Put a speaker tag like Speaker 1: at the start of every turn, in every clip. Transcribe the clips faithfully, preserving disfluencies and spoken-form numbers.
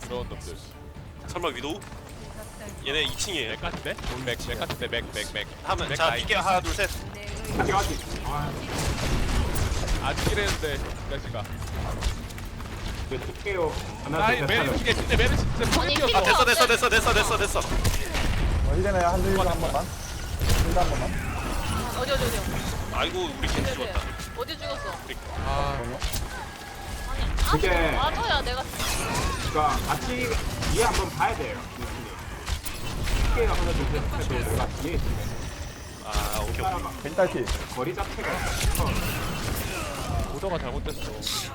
Speaker 1: 그런 놈들.
Speaker 2: 설마 위도우? 얘네 이 층이에요.
Speaker 1: 맥 같은데? 맥, 맥 같은데 맥, 맥, 맥.
Speaker 2: 하면
Speaker 1: 맥
Speaker 2: 자
Speaker 1: 라인.
Speaker 2: 이게 하나 둘 셋.
Speaker 3: 아직 아직. 아,
Speaker 1: 아직 이랬는데 이 자식아.
Speaker 3: 왜 어떡해요? 하나
Speaker 1: 아니
Speaker 3: 둘 셋
Speaker 1: 메르시
Speaker 3: 하면.
Speaker 1: 이게 진짜 메르시 진짜
Speaker 4: 아니,
Speaker 1: 포인트였다.
Speaker 2: 아 됐어 됐어 됐어 됐어 됐어 됐어.
Speaker 5: 어, 이제는 한 줄 한 번만. 줄한 번만.
Speaker 4: 어디 어디 어디.
Speaker 2: 아이고 우리 겐지
Speaker 4: 네네.
Speaker 2: 죽었다.
Speaker 4: 어디 죽었어?
Speaker 1: 아,
Speaker 4: 아니
Speaker 3: 그게-
Speaker 4: 아 맞아야 내가
Speaker 3: 그러니까 같이 뒤에 한번 봐야 돼요. 어떡해요? 하나 둘 셋 해도 내가 뒤에 있으면
Speaker 2: 아 오케이 오케이.
Speaker 3: 따라가.
Speaker 5: 벤탈티.
Speaker 3: 거리 자체가
Speaker 1: 오더가 잘못됐어.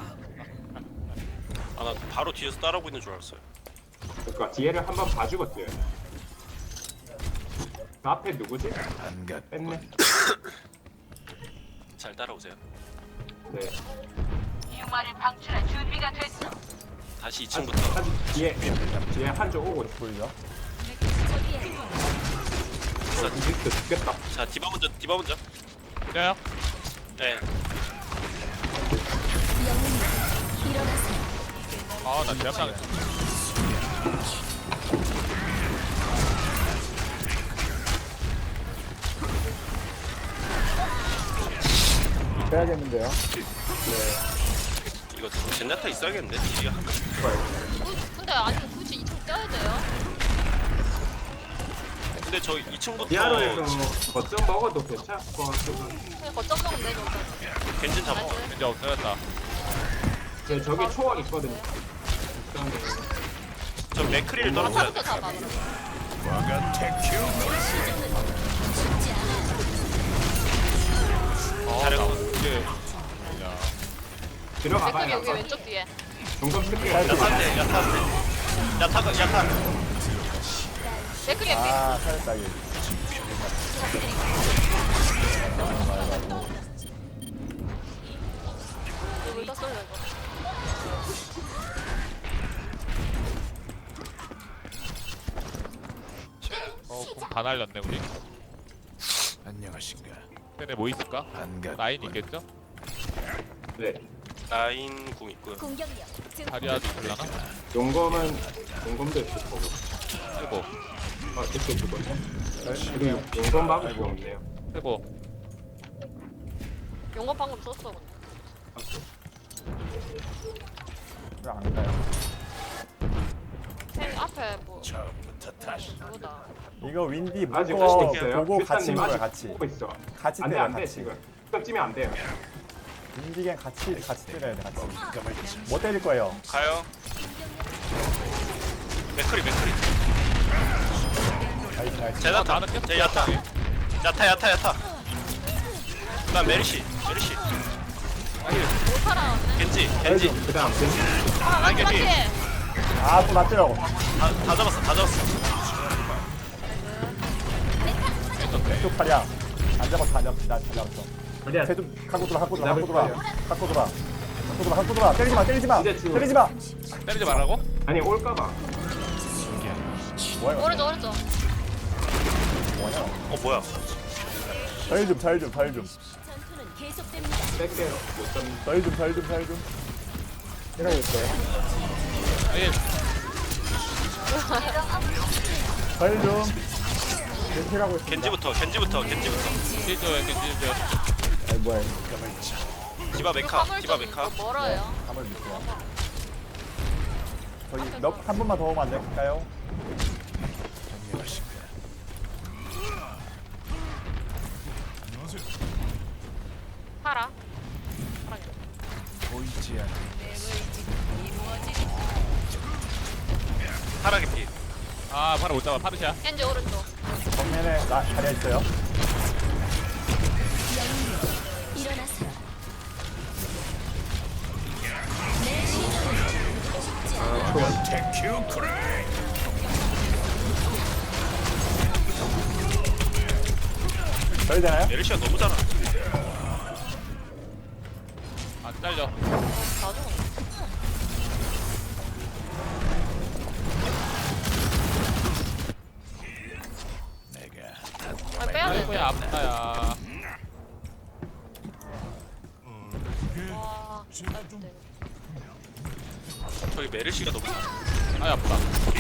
Speaker 2: 아 나 바로 뒤에서 따라오고 있는 줄 알았어요.
Speaker 3: 그러니까 뒤에를 한번 봐주고 뛰어야 돼. 그 앞에 누구지? 뺐네.
Speaker 2: 잘 따라오세요.
Speaker 3: 네.
Speaker 6: 흉마를 방출할 준비가 됐어.
Speaker 2: 다시
Speaker 3: 아직,
Speaker 2: 이 층부터.
Speaker 3: 아직 뒤에 뒤에 한쪽 오고 있어.
Speaker 5: 보이죠?
Speaker 2: 자,
Speaker 3: 이집트 죽겠다.
Speaker 2: 자 디바 먼저 디바 먼저.
Speaker 1: 야야.
Speaker 2: 네.
Speaker 1: 아, 나 제압당했어.
Speaker 5: 빼야겠는데요.
Speaker 2: 이거 젠나타 있어야겠는데 뒤에 한 명.
Speaker 4: 근데 아니 굳이 이층 떼야 돼요?
Speaker 2: 근데 저 이 층부터
Speaker 3: 디아로에서 거점 먹어도 괜찮을 것 같고.
Speaker 4: 그냥 거점 먹으면 되죠.
Speaker 2: 겐진 잡아.
Speaker 4: 나이스.
Speaker 1: 이제 없어졌다.
Speaker 3: 제 저기 초월 있거든요. 일단은
Speaker 2: 저 맥크리를 떨어뜨려야 돼.
Speaker 4: 타부터 잡아 그럼.
Speaker 1: 아,
Speaker 2: 잘했어.
Speaker 1: 나 이게 야.
Speaker 3: 들어가봐요.
Speaker 4: 맥클이 여기 왼쪽 뒤에.
Speaker 3: 종점 쓸게요.
Speaker 2: 야타한테 야타한테. 야타가 야타.
Speaker 4: 맥클이 여기.
Speaker 5: 아, 살렸다, 이게.
Speaker 4: 이거 왜 땄어요 이거?
Speaker 1: 어, 공다 날렸네 우리.
Speaker 7: 안녕하신가?
Speaker 1: 쟤네 뭐 있을까?
Speaker 7: 반갑.
Speaker 1: 라인 있겠죠?
Speaker 3: 네.
Speaker 2: 라인 궁 있고요.
Speaker 1: 다리아도 있을라나?
Speaker 3: 용검은 용검도 있을 거고.
Speaker 1: 쓰고,
Speaker 3: 아, 이렇게 죽었네. 그리고 용검 막을 거 없네요.
Speaker 1: 쓰고.
Speaker 4: 용건 방금 썼어 근데.
Speaker 5: 왜안 가요?
Speaker 4: 생 앞에 뭐
Speaker 7: 처음부터 다시.
Speaker 4: 누구다.
Speaker 5: 이거 윈디
Speaker 3: 아직
Speaker 5: 묶어
Speaker 3: 할수 있어요.
Speaker 5: 보고 같이
Speaker 3: 큐타님
Speaker 5: 먹어요,
Speaker 3: 아직
Speaker 5: 같이.
Speaker 3: 보고 있어.
Speaker 5: 같이
Speaker 3: 안 돼,
Speaker 5: 때려,
Speaker 3: 안 돼,
Speaker 5: 같이.
Speaker 3: 지금. 딱 찌면 안 돼요.
Speaker 5: 윈디 그냥 같이, 같이 때려야 돼, 같이. 뭐 때릴 거예요?
Speaker 2: 가요. 맥크리 맥크리.
Speaker 5: 나이스, 나이스.
Speaker 2: 제나타.
Speaker 1: 나는 계속
Speaker 2: 제 야타. 야타 야타 야타. 그다음 메르시 메르시.
Speaker 4: 못 살아왔네.
Speaker 2: 겐지 겐지.
Speaker 3: 그 다음, 겐지.
Speaker 4: 아 맞지 맞지.
Speaker 5: 아, 또 맞더라고.
Speaker 2: 다, 다 잡았어 다 잡았어.
Speaker 5: 왼쪽 팔이야. 안 잡았어, 안 잡았어. 나안 잡았어.
Speaker 3: 어디야?
Speaker 5: 해좀 갖고 돌아, 갖고 돌아,
Speaker 3: 잡을
Speaker 5: 갖고 돌아.
Speaker 3: 거예요.
Speaker 5: 갖고 돌아. 갖고 돌아, 갖고 돌아. 때리지 마, 때리지 마.
Speaker 3: 이제 지워.
Speaker 5: 때리지 마.
Speaker 1: 때리지 말라고?
Speaker 3: 아니, 올까봐.
Speaker 5: 뭐야, 이거?
Speaker 4: 오른쪽 오른쪽.
Speaker 5: 뭐냐?
Speaker 2: 어 뭐야?
Speaker 5: 잘 좀, 잘 좀, 잘 좀.
Speaker 3: 뺄게요. 못 잡는.
Speaker 5: 잘 좀, 잘 좀, 잘 좀. 때려야겠어요.
Speaker 1: 아니,
Speaker 5: 잘 좀. 겐티라고 있습니다.
Speaker 2: 겐지부터 겐지부터 겐지부터.
Speaker 1: 겐지줘요, 겐지줘요.
Speaker 5: 아니, 뭐야.
Speaker 2: 디바 메카
Speaker 4: 화물
Speaker 2: 디바
Speaker 4: 좀
Speaker 2: 메카.
Speaker 4: 이거 멀어요.
Speaker 5: 한번 믿고요. 저기 넉한 번만 더 오면 안 될까요?
Speaker 7: 안녕하신가?
Speaker 4: 팔아.
Speaker 7: 보이지 않는
Speaker 2: 파라게 피.
Speaker 1: 아, 바로 못 잡아. 파르샤.
Speaker 4: 겐지 오른쪽.
Speaker 5: 정면에 나 자리에 있어요.
Speaker 7: 테큐 크레이.
Speaker 5: 저희 되나요?
Speaker 2: 메르시가 너무 잘하.
Speaker 1: 안 잘려.
Speaker 4: 다 죽었네.
Speaker 7: 내가
Speaker 4: 아 빼야 돼.
Speaker 1: 아이고야, 아프다야.
Speaker 4: 와. 아, 네.
Speaker 2: 저기 메르시가 너무 잘하.
Speaker 1: 아 아프다.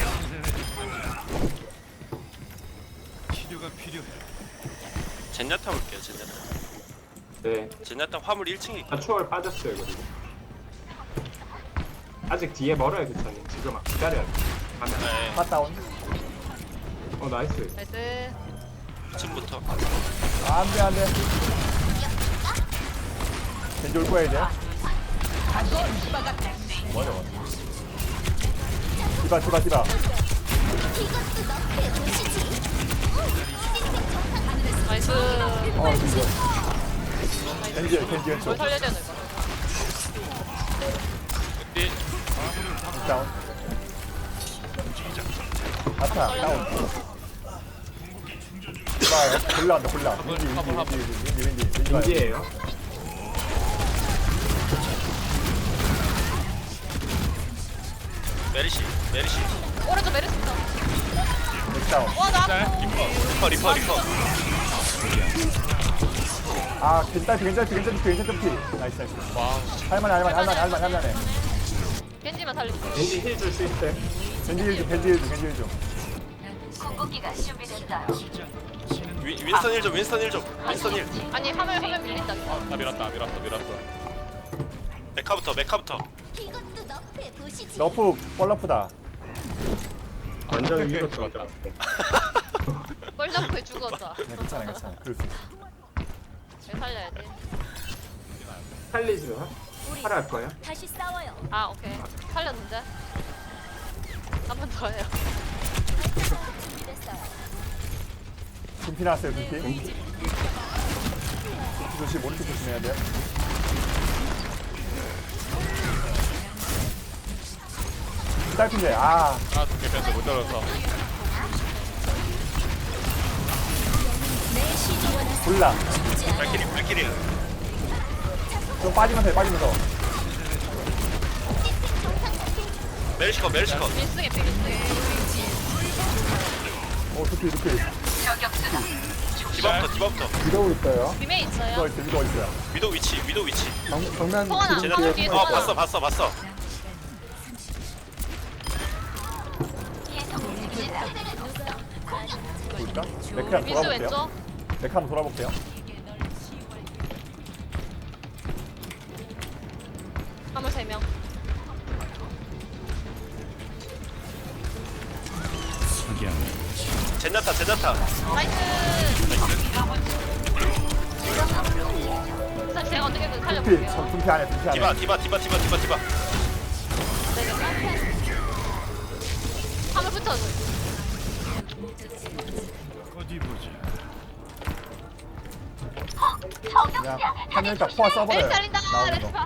Speaker 7: 치료가 필요해.
Speaker 2: 젠야타 볼게요 젠야타.
Speaker 3: 네.
Speaker 2: 젠야타 화물 일 층에
Speaker 3: 아, 초월 빠졌어요 그리고. 아직 뒤에 멀어요 교차님. 지금 막 기다려야 돼. 가면.
Speaker 2: 네.
Speaker 5: 팟다운.
Speaker 3: 어 나이스.
Speaker 4: 나이스.
Speaker 2: 이 층부터.
Speaker 5: 아, 안 돼, 안 돼. 겐지 올 거야, 이제. 뭐야, 뭐. 디바, 디바, 디바.
Speaker 4: 나이스.
Speaker 5: 어, 이거. 겐지, 겐지 왼쪽.
Speaker 4: 뭘 살려야 되는 거?
Speaker 1: 근데
Speaker 5: 다운. 아타, 다운. 디바, 골라온다, 골라. 겐지, 겐지, 겐지, 겐지, 겐지, 겐지.
Speaker 3: 인지예요.
Speaker 2: 메리시 메리시.
Speaker 4: 오른쪽 메르스 있다.
Speaker 5: 다운.
Speaker 4: 와, 나
Speaker 1: 짤
Speaker 4: 아파.
Speaker 1: 리퍼.
Speaker 2: 리퍼 리퍼 리퍼.
Speaker 5: 아, 괜찮지, 괜찮지, 괜찮지, 괜찮지. 나이스, 나이스.
Speaker 1: 와우.
Speaker 5: 할만해, 할만해, 할만해, 할만해, 할만해.
Speaker 4: 겐지만 살릴게.
Speaker 3: 왠지 힐 줄 수 있어요.
Speaker 5: 겐지 일 좀, 겐지 일 좀, 겐지 일 좀.
Speaker 6: 궁극기가 준비됐어요.
Speaker 2: 위, 윈스턴 일 좀 윈스턴 일 좀. 윈스턴 일.
Speaker 4: 아니, 화면 화면 밀린다.
Speaker 1: 나 밀었다 밀었어 밀었어.
Speaker 2: 메카부터 메카부터.
Speaker 6: 이것도 너프에 보시지.
Speaker 5: 너프, 뻘러프다.
Speaker 3: 완전
Speaker 1: 오케이,
Speaker 3: 위로
Speaker 1: 오케이,
Speaker 3: 들어갔다.
Speaker 4: 뻘잡고 죽었다.
Speaker 5: 네, 괜찮아, 괜찮아. 그럴 수 있어.
Speaker 4: 왜 살려야 돼?
Speaker 3: 살리지 마. 팔아 할 거야.
Speaker 6: 다시 싸워요.
Speaker 4: 아, 오케이. 살렸는데? 한 번 더 해요.
Speaker 6: 준비됐어요.
Speaker 5: 금피 나왔어요, 금피. 금피 조심, 오른쪽 조심해야 돼. 딸핀데, 아.
Speaker 1: 아 두개 뺐는데 못 들어서.
Speaker 5: 골라.
Speaker 2: 발키리 발키리.
Speaker 5: 좀 빠지면서 해, 빠지면서.
Speaker 2: 메리시 거 메리시 거.
Speaker 4: 밀승에 빼, 밀승에.
Speaker 5: 오, 두피, 두피.
Speaker 2: 디바부터 디바부터.
Speaker 5: 위도우 있어요.
Speaker 4: 비메
Speaker 5: 위도우
Speaker 4: 있어요.
Speaker 5: 있어, 위도우 있어요.
Speaker 2: 위도 위치 위도 위치.
Speaker 5: 정, 정면
Speaker 4: 성환아,
Speaker 5: 뒤에
Speaker 4: 성환아,
Speaker 5: 뒤에
Speaker 4: 뒤에
Speaker 2: 어
Speaker 4: 성환아.
Speaker 2: 봤어 봤어 봤어.
Speaker 5: 보일까? 메카 한번
Speaker 4: 밀수
Speaker 5: 돌아볼게요.
Speaker 4: 왼쪽.
Speaker 5: 메카 한번 돌아볼게요.
Speaker 4: 화물 세 명.
Speaker 2: 젠야타 젠야타.
Speaker 4: 나이스. 사 제가 어떻게든
Speaker 5: 두피,
Speaker 4: 살려볼게요.
Speaker 5: 참, 두피 안에, 두피 안에.
Speaker 2: 디바 디바 디바 디바 디바 디바.
Speaker 4: 화물 붙여줘.
Speaker 7: 어디 보자.
Speaker 5: 그냥 한 명이 딱 포화
Speaker 4: 메르시
Speaker 5: 써버려요.
Speaker 4: 살린다.
Speaker 5: 나오는
Speaker 4: 메르시
Speaker 5: 거.
Speaker 4: 봐.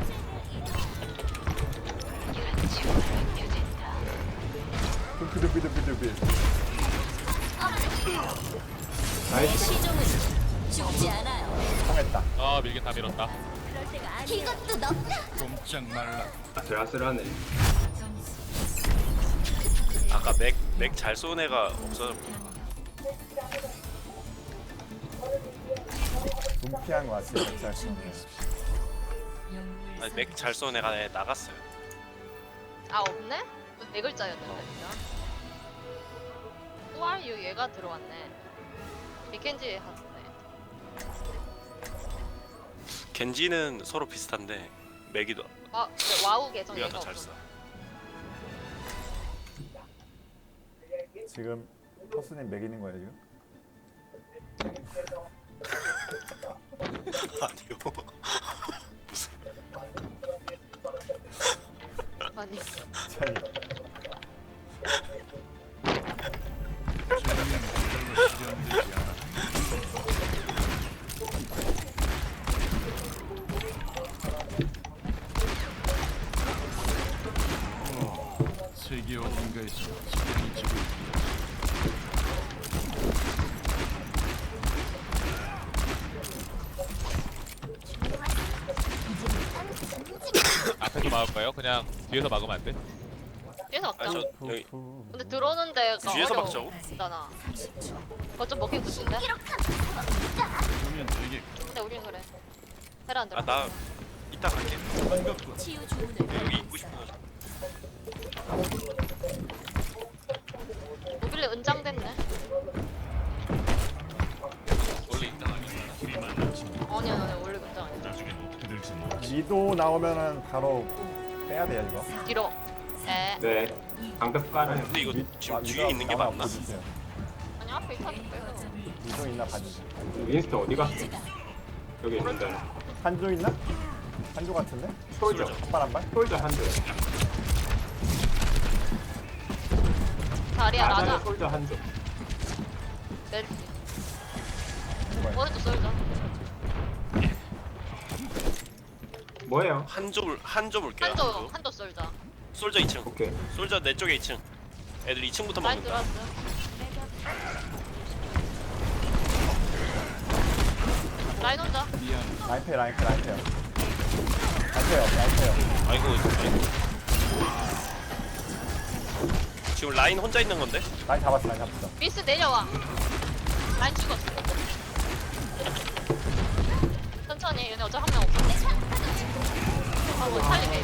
Speaker 5: 두피, 두피, 두피, 두피.
Speaker 3: 나이스.
Speaker 6: 시종은 죽지 않아요.
Speaker 5: 통했다.
Speaker 1: 아 밀긴 다 밀었다.
Speaker 6: 그럴 때가 아니에요. 이것도 너프다.
Speaker 7: 꼼짝 말라.
Speaker 3: 아슬아슬하네.
Speaker 2: 아까 맥 맥 잘 쏘는 애가 없어서.
Speaker 5: 눈피한 거 같아요. 잘.
Speaker 2: 아니 맥 잘 쏘는 애가 애 나갔어요.
Speaker 4: 아, 없네? 네 글자였는데, 진짜. Who are you? 얘가 들어왔네. 미켄지 하네.
Speaker 2: 겐지는 서로 비슷한데 맥이도
Speaker 4: 와, 근데 와우 계정
Speaker 2: 우리가
Speaker 4: 얘가
Speaker 2: 더 잘
Speaker 4: 없어.
Speaker 2: 써.
Speaker 5: 지금 허스님 매기는 거예요 지금?
Speaker 2: 아니요.
Speaker 4: 아니,
Speaker 5: 참.
Speaker 7: 별로 실현되지 않아. 어, 세계 어딘가에서 시간이 지고 있다.
Speaker 1: 앞에서 막을까요? 그냥 뒤에서 막으면 안 돼?
Speaker 4: 뒤에서 막자.
Speaker 2: 아니 저 여기
Speaker 4: 근데 들어오는 데가
Speaker 2: 뒤에서
Speaker 4: 어려워.
Speaker 2: 막자고?
Speaker 4: 있잖아. 그거 좀 먹히고 싶은데?
Speaker 7: 그러면 되게
Speaker 4: 근데 우린 그래. 테라 안 들어.
Speaker 2: 아나 이따 갈게.
Speaker 7: 반갑고
Speaker 6: 치유 주문을
Speaker 2: 여기 있고 싶어.
Speaker 5: 위도 나오면은 바로 빼야 돼요 이거.
Speaker 4: 뒤로. 네.
Speaker 3: 네. 방벽 깔아요.
Speaker 2: 근데 이거
Speaker 5: 위-
Speaker 2: 지금
Speaker 5: 아,
Speaker 2: 뒤에
Speaker 5: 위도
Speaker 2: 있는 게
Speaker 5: 하나
Speaker 2: 맞나?
Speaker 5: 보여주세요.
Speaker 4: 아니 앞에 있다 빼요.
Speaker 5: 위도 있나 봐주세요.
Speaker 3: 윈스턴 어디 갔어? 여기 있는데.
Speaker 5: 한조 있나? 한조 같은데?
Speaker 3: 솔저.
Speaker 5: 한발 한 발?
Speaker 3: 솔저 한 줄.
Speaker 4: 자리야
Speaker 3: 나자는
Speaker 4: 라자.
Speaker 3: 솔저 한 줄.
Speaker 4: 메르시.
Speaker 5: 뭐야?
Speaker 4: 오른쪽 쏠자.
Speaker 3: 뭐예요?
Speaker 2: 한조 한조 볼게요.
Speaker 4: 한조
Speaker 2: 한조.
Speaker 4: 한조 쏠자.
Speaker 2: 솔저 이 층.
Speaker 3: 오케이.
Speaker 2: 솔저 내 쪽에 이 층. 애들 이 층부터
Speaker 4: 라인
Speaker 2: 먹는다.
Speaker 4: 들어왔어. 라인 혼자.
Speaker 7: 미안.
Speaker 5: 라인페 라인페 라인페. 라인페요 라인페요.
Speaker 2: 아이고, 아이고. 지금 라인 혼자 있는 건데?
Speaker 5: 라인 잡았어 라인 잡았어.
Speaker 4: 미스 내려와. 라인 죽었어. 천천히 얘네 어차피 한 명 없어. 아뭐 살리게.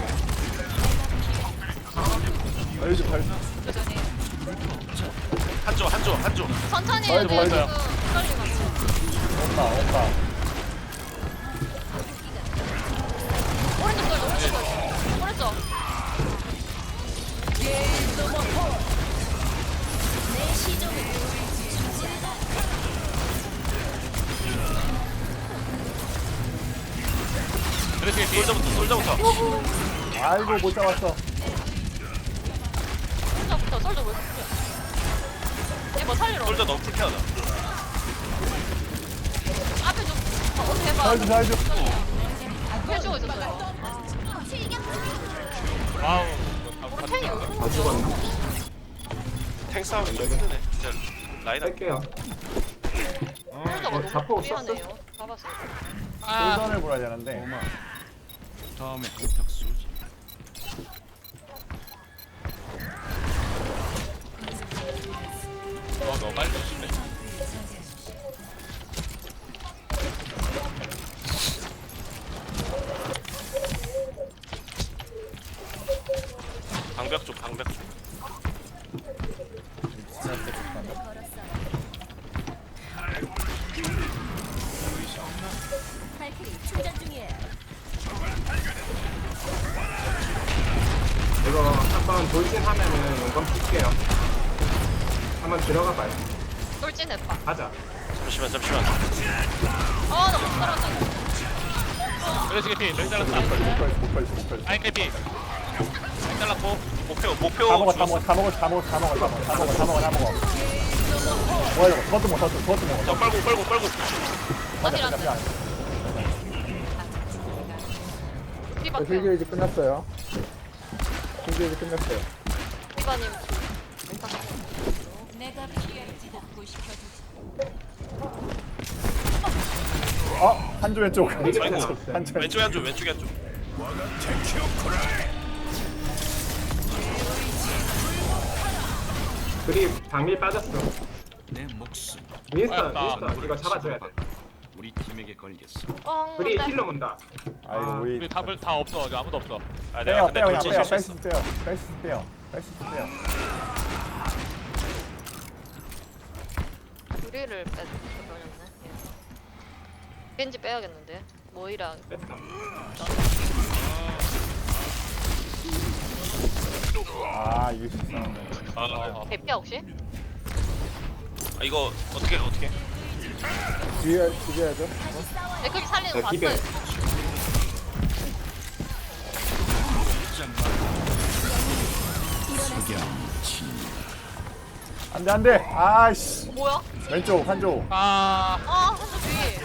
Speaker 5: 별주 별주.
Speaker 4: 천천히.
Speaker 2: 한조, 한조, 한조.
Speaker 4: 천천히
Speaker 5: 어이,
Speaker 4: 얘네
Speaker 5: 뭐야,
Speaker 4: 지금
Speaker 1: 뭐야.
Speaker 4: 떨리고.
Speaker 5: 온다 온다.
Speaker 4: 오른쪽 돌 오른쪽 돌. 오른쪽.
Speaker 6: 내 시종을
Speaker 1: 그렇게 뒤에
Speaker 2: 솔저부터, 솔저부터.
Speaker 5: 아이고 못 잡았어.
Speaker 4: 오른쪽부터 쏠져 왜 그래? 얘뭐 살리러.
Speaker 2: 솔저 너무 불쾌하다.
Speaker 4: 앞에 좀 어, 어떻게 해봐.
Speaker 5: 살주 살주.
Speaker 4: 해주고 있었어요.
Speaker 1: 와우.
Speaker 4: 우리 탱이 여기.
Speaker 3: 다 죽었나?
Speaker 2: 탱 싸움 힘드네. 진짜 라인 할
Speaker 3: 뺄게요.
Speaker 4: 혼자가
Speaker 3: 어,
Speaker 4: 너무
Speaker 3: 자포
Speaker 4: 무리하네요. 잡았어요.
Speaker 1: 아,
Speaker 5: 골전을 몰아야 되는데.
Speaker 7: 고마. 다음에 한턱 쏘지.
Speaker 1: 어, 너무 빨리 쏘시네.
Speaker 2: 방벽 쪽, 방벽 쪽.
Speaker 6: 발키리 충전 중이에요.
Speaker 3: 이거 한번 돌진하면은 용감 쓸게요. 한번 들어가 봐요.
Speaker 4: 돌진해봐.
Speaker 3: 가자.
Speaker 2: 잠시만, 잠시만.
Speaker 4: 어, 나 못 살았다.
Speaker 1: 그렇지, 개피. 몇 잘랐다.
Speaker 5: 못 걸지 못 걸지 못 걸지.
Speaker 1: 라인 개피. 라인 잘랐고.
Speaker 2: 목표, 목표.
Speaker 5: 다 먹어 다
Speaker 2: 죽었어.
Speaker 5: 먹어 다 먹어 다 먹어 다 먹어 다 먹어 다 먹어 다 먹어 다 먹어. 뭐야 이거 그것도 먹어 그것도 그것도 먹어.
Speaker 2: 저 빨고, 빨고, 빨고.
Speaker 5: 맞아
Speaker 4: 어디로
Speaker 5: 맞아.
Speaker 4: 피박해요.
Speaker 8: 필기 이제 끝났어요. 필기 이제 끝났어요.
Speaker 4: 피바님.
Speaker 6: 내가 필요할지 복구시켜주지.
Speaker 5: 어 한조 왼쪽.
Speaker 3: 되게
Speaker 2: 아이고.
Speaker 3: 많았어요.
Speaker 5: 한조 왼쪽.
Speaker 2: 왼쪽에 한조, 왼쪽에 한조.
Speaker 3: 그리 방밀 빠졌어.
Speaker 7: 내 목숨
Speaker 3: 윈스턴,
Speaker 1: 아,
Speaker 3: 윈스턴 이거 잡아줘야 돼.
Speaker 7: 우리 팀에게 걸겠어.
Speaker 4: 어,
Speaker 3: 그리
Speaker 4: 네.
Speaker 3: 힐러 문다.
Speaker 5: 아이고
Speaker 3: 아,
Speaker 5: 우리
Speaker 1: 우리 답을 다 없어. 아직 아무도 없어.
Speaker 2: 아,
Speaker 5: 빼요
Speaker 2: 내가 근데
Speaker 5: 빼요 그냥
Speaker 2: 돌진
Speaker 5: 빼요
Speaker 2: 실수했어.
Speaker 5: 뺄수 빼요 뺄수 빼요 뺄수 빼요.
Speaker 4: 우리를 빼버렸네. 예. 겐지 빼야겠는데. 모이라.
Speaker 3: 뺐다.
Speaker 5: 아 이길 수 있었는데.
Speaker 2: 아,
Speaker 1: 어,
Speaker 4: 개피야 혹시?
Speaker 2: 아, 이거 어떻게, 어떻게.
Speaker 8: 뒤에 뒤에야죠.
Speaker 4: 맥클이 살리는
Speaker 3: 자,
Speaker 4: 거
Speaker 3: 기별.
Speaker 4: 봤어요.
Speaker 5: 안돼 안돼. 아이씨
Speaker 4: 뭐야?
Speaker 5: 왼쪽 한조.
Speaker 1: 아,
Speaker 4: 아, 한쪽 뒤.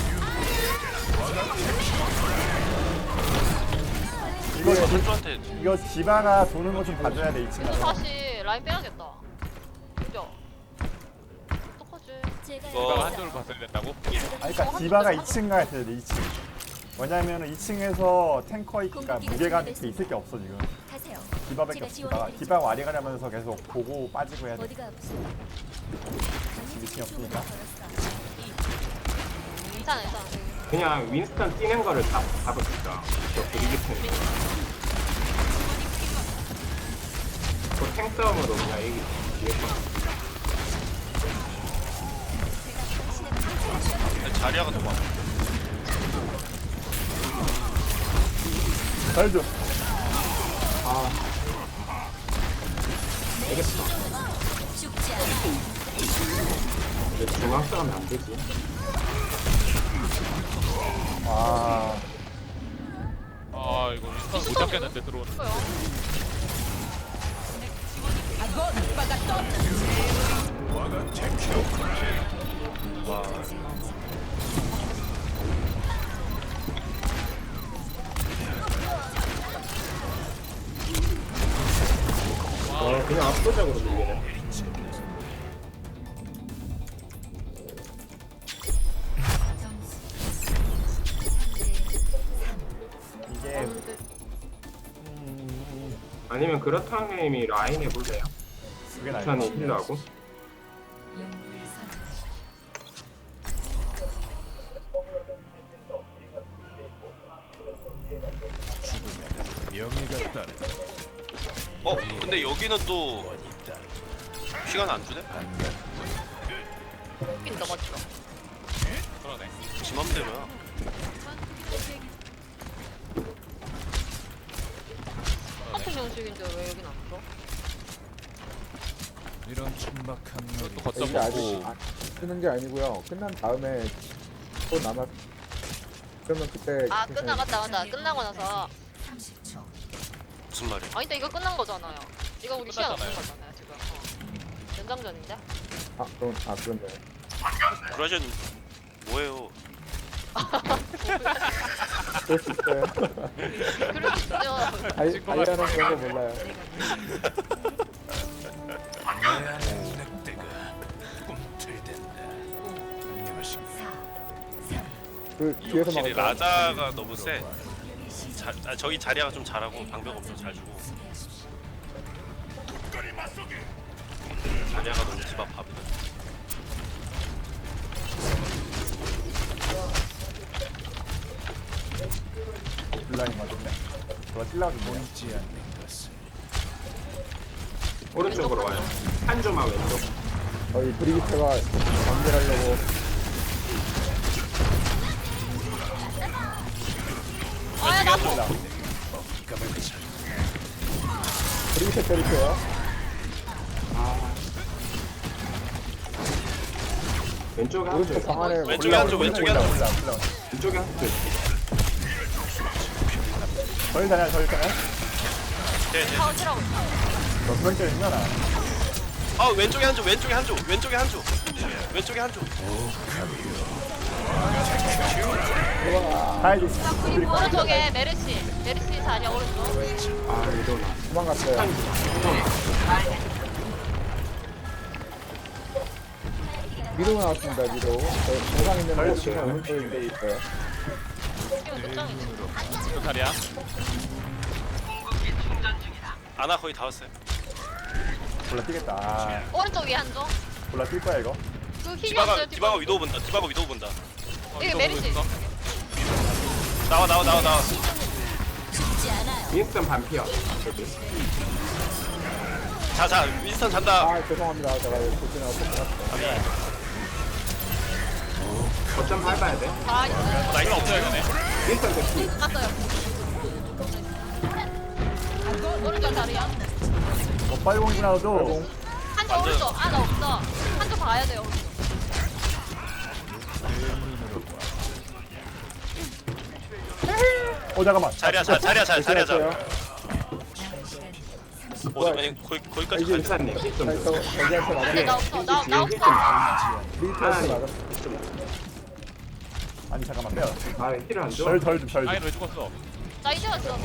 Speaker 5: 이거 지-
Speaker 2: 한조한테
Speaker 5: 이거 디바가 도는 거 좀 봐줘야 돼 이
Speaker 4: 이거
Speaker 5: 친구.
Speaker 4: 다시 라인 빼야겠다. 그죠? 어떡하지?
Speaker 6: 제가
Speaker 2: 이거
Speaker 1: 이거 한쪽을 봤어야 된다고?
Speaker 5: 아니 그러니까 디바가 이 층 가야 돼 이 층. 왜냐면은 이 층에서 탱커니까 무게감이 이렇게 있을 게 없어 지금.
Speaker 6: 가세요.
Speaker 5: 디바밖에 없어 디바가. 디바 와리가려면서 계속 보고 빠지고 해야 돼.
Speaker 6: 어디가 아프세요?
Speaker 5: 미친이 없으니까.
Speaker 4: 괜찮아, 괜찮아.
Speaker 3: 그냥 윈스턴 뛰는 거를 잡, 잡읍시다. 저 그리기 편. 그탱 싸움으로 그냥 얘기 뒤에서.
Speaker 2: 자리아가 더 많아.
Speaker 5: 잘줘.
Speaker 3: 아 되겠어.
Speaker 6: 죽지 않아.
Speaker 3: 근데 중앙 싸우면 안 되지.
Speaker 5: 아,
Speaker 1: 아 이거 윈스턴 못 잡겠는데 들어오는
Speaker 4: 거요.
Speaker 3: 어 그냥 압도적으로 밀리네.
Speaker 5: 이게 음,
Speaker 3: 아니면 그렇다면 이미 라인 해볼래요?
Speaker 5: 그게 나을 것
Speaker 3: 천이
Speaker 5: 같아요.
Speaker 3: 힐러하고.
Speaker 7: 명예가 따르.
Speaker 2: 어 근데 여기는 또 시간 안 주네?
Speaker 4: 핀 넘었죠.
Speaker 1: 그러네.
Speaker 2: 지 맘대로야.
Speaker 4: 똑같은 형식인데 왜 여긴 안 써?
Speaker 7: 이런 천박한
Speaker 1: 또
Speaker 7: 놈이
Speaker 1: 걷다
Speaker 8: 이게 아직
Speaker 1: 먹고
Speaker 8: 안 쓰는 게 아니고요. 끝난 다음에 또 남았. 그러면 그때
Speaker 4: 아 끝나갔다 맞다. 끝나고 나서
Speaker 2: 무슨 말이야?
Speaker 4: 아니 근데 이거 끝난 거잖아요. 이거 우리 시간 없는
Speaker 1: 끝났잖아요.
Speaker 4: 거잖아요 지금. 어. 연장전인데?
Speaker 8: 아 그럼 아 그런데
Speaker 2: 브라전 뭐예요?
Speaker 8: 그럴 수 있어요.
Speaker 4: 그럴 수 있죠.
Speaker 8: 아이 아이라는 그런 거 몰라요.
Speaker 7: 내 안에 늑대가 꿈틀댄다. 안녕하십니까.
Speaker 8: 그 뒤에서
Speaker 2: 확실히
Speaker 8: 막았다.
Speaker 2: 라자가 너무 세. 자, 아, 저기 자리아가 좀 잘하고 방벽 엄청 잘 주고. 자리아가 너무 집 앞 밥이다.
Speaker 5: 블라인 맞았네. 저거 찔러가지고 뭐야?
Speaker 7: 보이지 않는 것을
Speaker 3: 오른쪽으로 와요. 한 조만 왼쪽.
Speaker 8: 저희 브리기트가 연결하려고
Speaker 4: 아야 나도.
Speaker 8: 브리기트 때릴게요.
Speaker 3: 왼쪽에 한
Speaker 8: 오른쪽
Speaker 3: 조.
Speaker 8: 방 안에
Speaker 2: 왼쪽에 한 조, 왼쪽에 한 조.
Speaker 5: 올라 올라.
Speaker 3: 왼쪽에 한 조.
Speaker 5: 저희 다냐 저희 다냐?
Speaker 2: 네, 네.
Speaker 4: 파운드라고 있어.
Speaker 5: 너 그런 게 있나?
Speaker 2: 아 왼쪽에 한 조, 왼쪽에 한 조, 왼쪽에 한 조, 왼쪽에 한 조.
Speaker 5: 가야지.
Speaker 4: 오른쪽에 메르시. 메르시 자리야 오른쪽.
Speaker 3: 아 이러나.
Speaker 8: 도망갔어요. 미로가 나왔습니다. 미로. 저 정상 있는 거 지금 오른쪽에 미로 있어요.
Speaker 4: 지금 끝장이지.
Speaker 1: 또 자리야.
Speaker 2: 아나 거의 다 왔어요.
Speaker 5: 골라 뛰겠다. 아,
Speaker 4: 오른쪽 위에 한 조.
Speaker 5: 골라 뛸 거야 이거.
Speaker 4: 그 힐이
Speaker 2: 디바가
Speaker 4: 없어요.
Speaker 2: 디바가 위도우 본다. 디바가 위도우 본다.
Speaker 1: 어,
Speaker 4: 이게
Speaker 1: 이거
Speaker 4: 메리시.
Speaker 1: 보고 있어.
Speaker 2: 나와 나와 나와 나와.
Speaker 6: 죽지 않아요.
Speaker 3: 윈스턴 반피어.
Speaker 2: 자자 윈스턴 잔다.
Speaker 8: 아 죄송합니다. 제가 도진하고 폭탄
Speaker 3: 거점 밟아야 돼.
Speaker 4: 아 있어요.
Speaker 1: 나 이거 없어야 되네.
Speaker 3: 윈스턴 대피.
Speaker 4: 갔어요. 오른쪽 자리야.
Speaker 5: 뭐 빨공이라도
Speaker 4: 한쪽 오른쪽. 아 나 없어. 한쪽 봐야 돼요. 오른쪽.
Speaker 5: 어 잠깐만.
Speaker 2: 자리야 자 자리야 자 자리야 자.
Speaker 8: 됐어요.
Speaker 2: 어 아니 거기 거기까지
Speaker 8: 이제
Speaker 2: 갈 때.
Speaker 3: 윈스턴님 힐 좀
Speaker 8: 저
Speaker 3: 줘.
Speaker 8: 저기한테
Speaker 4: 근데 나
Speaker 8: 맞아요.
Speaker 4: 없어. 나, 나 없어.
Speaker 8: 브리기트한테 맞았어.
Speaker 5: 아니 잠깐만 빼요.
Speaker 3: 아 힐을 안 줘.
Speaker 5: 절절좀 절.
Speaker 1: 아니 왜 죽었어?
Speaker 4: 나 이제 왔어.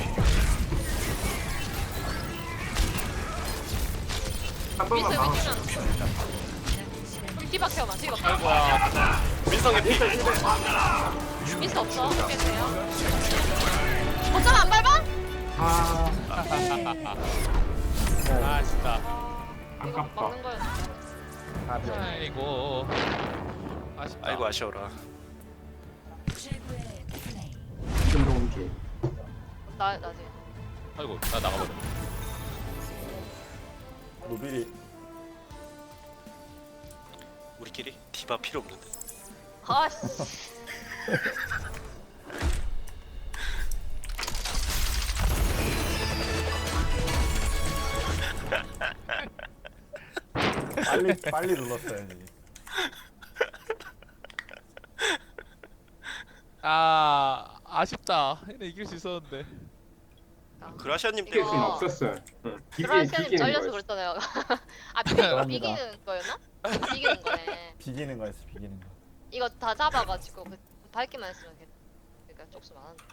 Speaker 3: 한 번만
Speaker 4: 미스
Speaker 3: 막아.
Speaker 4: 미스면. 우리 뒤바퀴어만 뒤바퀴어.
Speaker 1: 아이고야.
Speaker 2: 윈스턴 개피.
Speaker 4: 미스 없어. 어떻게 돼요? 어쩜 안 밟아?
Speaker 3: 아
Speaker 1: 아 진짜.
Speaker 3: 아깝다.
Speaker 4: 막는 거였어.
Speaker 1: 아이고. 아쉽다.
Speaker 2: 아이고 아쉬워라.
Speaker 3: 김동주.
Speaker 4: 나 나지.
Speaker 1: 아이고 나 나가버려.
Speaker 5: 노빌이
Speaker 2: 우리끼리 디바 필요 없는데.
Speaker 4: 아씨.
Speaker 5: 빨리 빨리 눌렀어야지.
Speaker 1: 아 아쉽다. 얘네 이길 수 있었는데.
Speaker 2: 그라시아님
Speaker 3: 이길 수는
Speaker 2: 때문에
Speaker 3: 없었어요. 응. 비기,
Speaker 4: 브라시아님
Speaker 3: 비기는
Speaker 4: 잘려서
Speaker 3: 거였어.
Speaker 4: 그랬잖아요. 아 비,
Speaker 5: 죄송합니다.
Speaker 4: 비기는 거였나? 비기는 거네.
Speaker 5: 비기는 거였어 비기는 거.
Speaker 4: 이거 다 잡아가지고 그 밟기만 했으면 걔- 그러니까 쪽수 많았는데.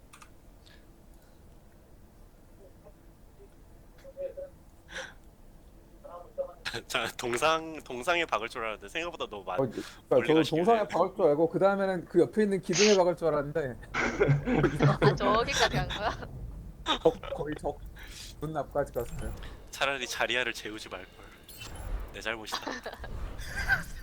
Speaker 2: 자 동상 동상에 박을 줄 알았는데 생각보다 너무 많.
Speaker 8: 어, 그러니까
Speaker 2: 멀리
Speaker 8: 저도
Speaker 2: 가시길래.
Speaker 8: 동상에 박을 줄 알고 그 다음에는 그 옆에 있는 기둥에 박을 줄 알았는데
Speaker 4: 아 저기까지 간 거야?
Speaker 8: 적, 거의 적문 앞까지 갔어요.
Speaker 2: 차라리 자리아를 재우지 말 걸. 내 잘못이다.